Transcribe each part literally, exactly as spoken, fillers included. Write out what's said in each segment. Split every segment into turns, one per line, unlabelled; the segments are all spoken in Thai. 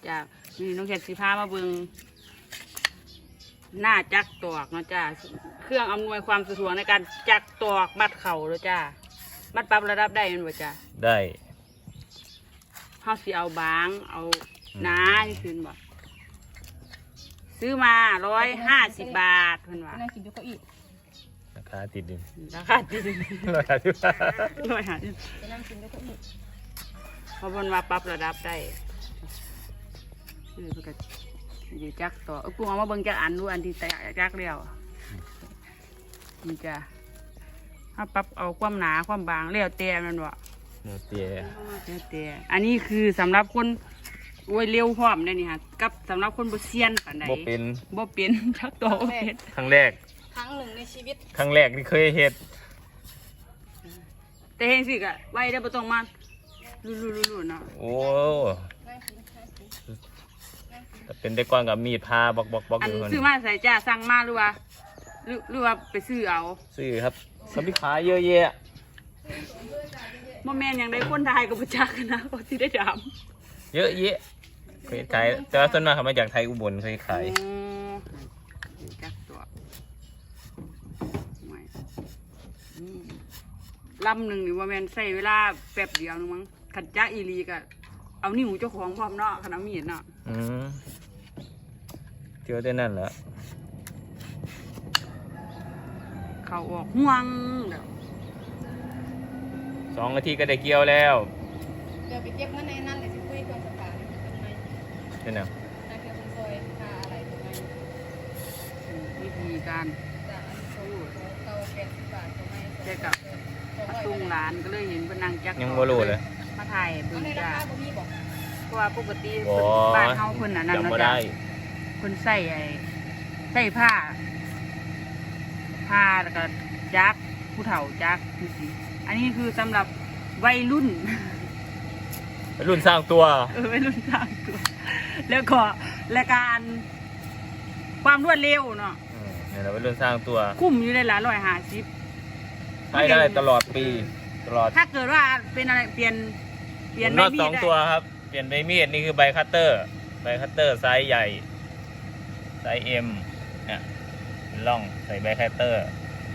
จ้านี่น้องแขกสีผ้ามาเบิ่งหน้าจักตอกเนาะจ้าเครื่องอำนวยความสะดวกในการจักตอกมัดเข่าเลยจ้ามัดปรับระดับได้แมันบ่จ้า
ได้
เฮาสิเอาบางเอาหนาที่คืนบ่ซื้อมาร้อยห้าสิบบาทเพิ่นว่า
นั่งกินอยู่เก้าอี้
ราคาติดดิน
ราคาติดดิน
ราคาที่ว่า
ร้อยห้าสิบ
จะนั่งกินอยู่เก้าอี้
เพราะเพิ่นว่าปรับระดับได้คือเพิ่นก็สิจักต่อเอ้กูเอามาเบิ่งจักอันดูอันที่แตกจักแล้วมันจะถ้าปรับเอาความหนาความบางแล้วแต่มันบ่
เนื้อเตี้ย
แล้วแต่อันนี้คือสำหรับคนโอ้ยเร็วพร้อมได้นี่ฮะกับสำหรับคนบ่เซียนปานใด
บ่เป็น
บ่เป็นจักต่อบ่เป็น
ครั้งแรก
ครั้งหนึ่งในชีวิต
ครั้งแรกที่เคยเฮ็ด
แต่เฮ็ดสิก็ไว้ได้บ่ต้องมาลุๆๆๆเนาะ
โอ้แต่เป็นได้ก่อนกับมีดพาบอกบอกบอก
อัน
อยู่คน
ซื้อมาใส่จ้าสั่งมาหรือว่าหรือหรือว่าไปซื้อเอา
ซื้อครับเขามีขายเยอะแยะ
บ่แม่นหยังได้คนไทยก็บ่จักนะก็สิได้ถาม
เยอะแยะเคยขายแต่ว่าส่วนมากเขามาจากไทยอุบลเคยขาย
จักตัวลำหนึ่งนี่ว่าแม่นใส่เวลาแป๊บเดียวนึงมั้งขันจักอีลีก็เอานิ้วเจ้าของพร้อมเนาะขนาดมีดเนาะ
อืมเที่ยวได้นั่นแหละ
เขาออกห่วงเดี๋ยว
สองนาทีก็ได้เกี่ยวแล้ว
เดี๋ยวไปเก็บเงินในนั้นเลยสิคุยกับสถาน
เป็นไง
นายเพียงซอยค่าอะไรตรงไหน
วิธีการ
จากอันโซ่เก้าแปดสิบบาทตรงไหน
แค่กับตุ้งร้านก็เลยเห็นเป็นนางจัก
ยังบ่รู้เลย
มาถ่ายเบิ่งจ้าเพราะว่าปกติบ้านเฮาคนน่ะนั่นเนาะจ้ะคนใส่ไอ้ใส่ผ้าผ้าแล้วก็จักผู้เฒ่าจักคือสิอันนี้คือสำหรับวัยรุ่น
วัยรุ่นสร้างตัว
เออวัยรุ่นสร้างตัวแล้วก็และการความรวดเร็วเนาะ
เนี่ยเราวัยรุ่นสร้างตัว
คุ้มอยู่ในหลายร้อยห้าสิบ
ใช้ได้ตลอดปีตลอด
ถ้าเกิดว่าเป็นอะไรเปลี่ยนเปลี่ยนใบมีด
สองตัวครับเปลี่ยนใบมีดนี่คือใบคัตเตอร์ใบคัตเตอร์ไซส์ใหญ่ไซส์เอ็มเนี่ยล่องใส่ใบคัตเตอร์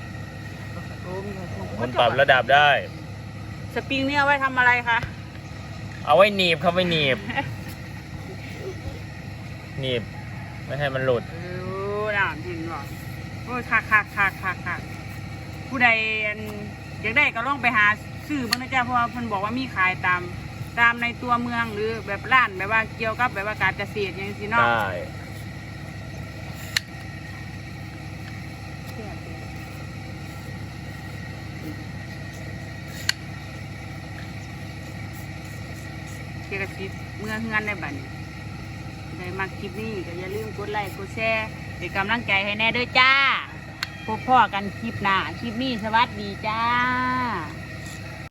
มันปรับระดับได้
สปริงนี่เอาไว้ทำอะไรคะ
เอาไว้หนีบครับไว้หนีบหนีบไม่ให้มันหลุด
เออน่าเห็นหรอโอ้ยคักคักคักคักคักผู้ใดอยากได้ก็ลองไปหาซื้อบ้างนะจ๊ะเพราะว่าเพิ่นบอกว่ามีขายตามตามในตัวเมืองหรือแบบร้านแบบว่าเกี่ยวกับแบบว่าการเกษตรอย่างนี้เนาะ
ได้
เกี่ยวกับคลิปเมื่อเฮือนในบัดนี้ได้มาคลิปนี้ก็อย่าลืมกดไลค์กดแชร์เป็นกำลังใจให้แน่ด้วยจ้าพบพ่อกันคลิปหน้าคลิปนี้สวัสดีจ้า